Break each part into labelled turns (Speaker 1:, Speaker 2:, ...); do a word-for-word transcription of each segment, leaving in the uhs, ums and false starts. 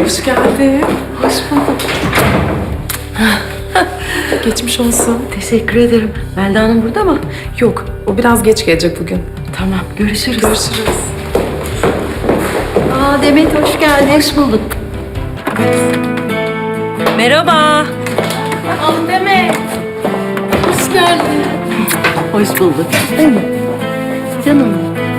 Speaker 1: Hoş geldin. Hoş bulduk. Geçmiş olsun.
Speaker 2: Teşekkür ederim. Melda Hanım burada mı?
Speaker 1: Yok, o biraz geç gelecek bugün.
Speaker 2: Tamam, görüşürüz.
Speaker 1: Görüşürüz.
Speaker 2: Aa Demet hoş geldin. Hoş bulduk. Merhaba.
Speaker 1: Al Demet. Hoş geldin.
Speaker 2: Hoş bulduk. Değil mi? Canım.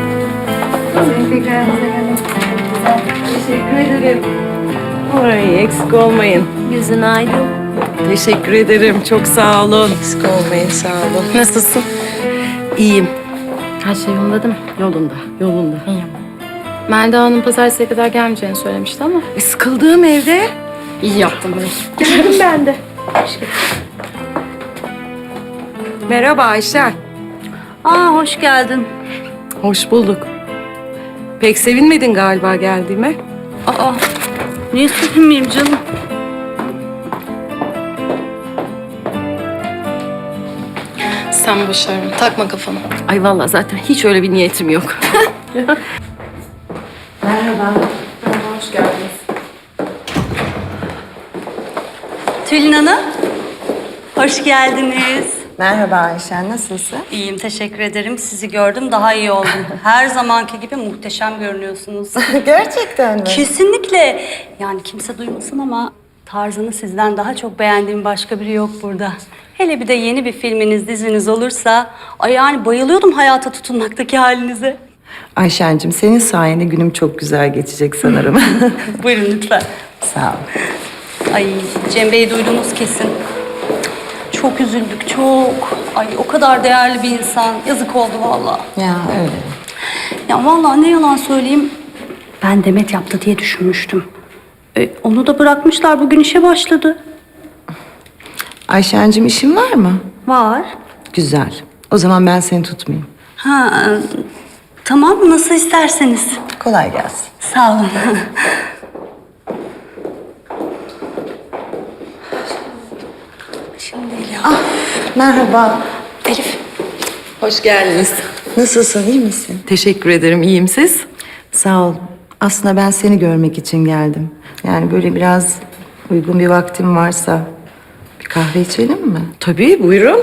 Speaker 2: Teşekkür ederim. Ay eksik olmayın.
Speaker 3: Yüzün aydın.
Speaker 2: Teşekkür ederim. Çok sağ olun.
Speaker 1: Eksik olmayın, sağ olun. Nasılsın?
Speaker 2: İyiyim.
Speaker 3: Her şey yolunda değil mi?
Speaker 2: Yolunda, yolunda.
Speaker 3: İyi. Melda Hanım pazartesiye kadar gelmeyeceğini söylemişti ama.
Speaker 2: E, sıkıldığım evde.
Speaker 3: İyi yaptım böyle.
Speaker 2: Geldim ben de. Merhaba Ayşen.
Speaker 3: Aa hoş geldin.
Speaker 2: Hoş bulduk. Pek sevinmedin galiba geldiğime.
Speaker 3: Aa niye sevinmeyeyim canım?
Speaker 1: Sen başarın. Takma kafana.
Speaker 2: Ay vallahi zaten hiç öyle bir niyetim yok. Merhaba.
Speaker 1: Merhaba, hoş geldiniz.
Speaker 4: Tülin Hanım, hoş geldiniz.
Speaker 5: Merhaba Ayşen, nasılsın?
Speaker 4: İyiyim, teşekkür ederim. Sizi gördüm, daha iyi oldum. Her zamanki gibi muhteşem görünüyorsunuz.
Speaker 5: Gerçekten mi?
Speaker 4: Kesinlikle. Yani kimse duymasın ama tarzını sizden daha çok beğendiğim başka biri yok burada. Hele bir de yeni bir filminiz, diziniz olursa... Ay yani bayılıyordum hayata tutunmaktaki halinize.
Speaker 5: Ayşen'cim senin sayende günüm çok güzel geçecek sanırım.
Speaker 4: Buyurun lütfen.
Speaker 5: Sağ ol.
Speaker 4: Ay Cem Bey duydunuz kesin. Çok üzüldük, çok. Ay o kadar değerli bir insan. Yazık oldu vallahi.
Speaker 5: Ya öyle.
Speaker 4: Ya vallahi ne yalan söyleyeyim. Ben Demet yaptı diye düşünmüştüm. E, onu da bırakmışlar. Bugün işe başladı.
Speaker 5: Ayşen'cim işin var mı?
Speaker 4: Var.
Speaker 5: Güzel. O zaman ben seni tutmayayım.
Speaker 4: Ha, e, tamam nasıl isterseniz.
Speaker 5: Kolay gelsin.
Speaker 4: Sağ olun. Şimdi değil ya.
Speaker 5: Merhaba.
Speaker 4: Elif.
Speaker 2: Hoş geldiniz.
Speaker 5: Nasılsın, iyi misin?
Speaker 2: Teşekkür ederim. İyiyim siz?
Speaker 5: Sağ ol. Aslında ben seni görmek için geldim. Yani böyle biraz uygun bir vaktim varsa bir kahve içelim mi?
Speaker 2: Tabii buyurun.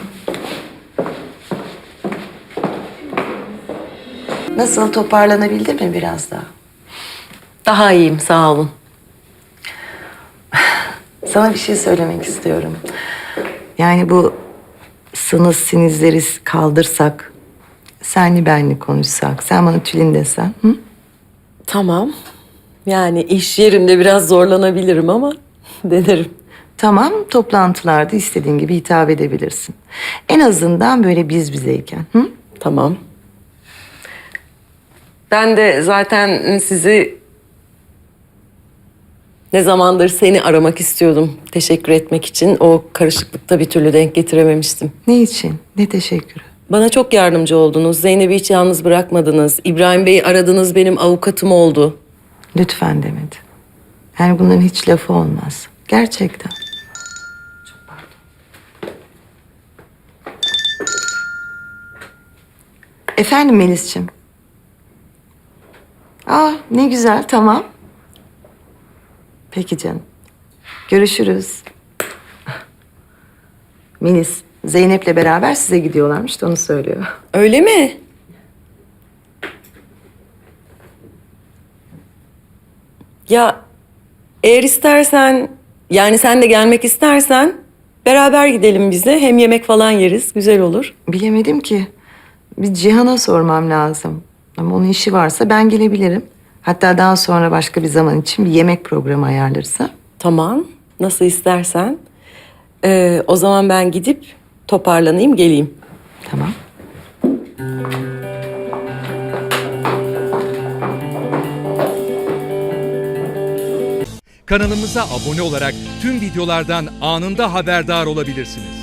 Speaker 5: Nasıl, toparlanabildin mi biraz daha?
Speaker 2: Daha iyiyim sağ olun.
Speaker 5: Sana bir şey söylemek istiyorum. Yani bu sınız sinizleri kaldırsak, senli benli konuşsak, sen bana Tülin desen, hı?
Speaker 2: Tamam. Yani iş yerinde biraz zorlanabilirim ama denerim.
Speaker 5: Tamam, toplantılarda istediğin gibi hitap edebilirsin. En azından böyle biz bizeyken, hı?
Speaker 2: Tamam. Ben de zaten sizi ne zamandır seni aramak istiyordum. Teşekkür etmek için. O karışıklıkta bir türlü denk getirememiştim.
Speaker 5: Ne için? Ne teşekkürü?
Speaker 2: Bana çok yardımcı oldunuz. Zeynep'i hiç yalnız bırakmadınız. İbrahim Bey'i aradınız, benim avukatım oldu.
Speaker 5: Lütfen Demet. Yani bunların hiç lafı olmaz. Gerçekten. Çok pardon. Efendim Melis'ciğim. Aa ne güzel, tamam. Peki canım. Görüşürüz. Melis, Zeynep'le beraber size gidiyorlarmış da onu söylüyor.
Speaker 2: Öyle mi? Ya eğer istersen, yani sen de gelmek istersen beraber gidelim biz de. Hem yemek falan yeriz, güzel olur.
Speaker 5: Bilemedim ki. Bir Cihan'a sormam lazım. Ama onun işi varsa ben gelebilirim. Hatta daha sonra başka bir zaman için bir yemek programı ayarlarsa.
Speaker 2: Tamam, nasıl istersen. Ee, o zaman ben gidip toparlanayım, geleyim.
Speaker 5: Tamam.
Speaker 6: Kanalımıza abone olarak tüm videolardan anında haberdar olabilirsiniz.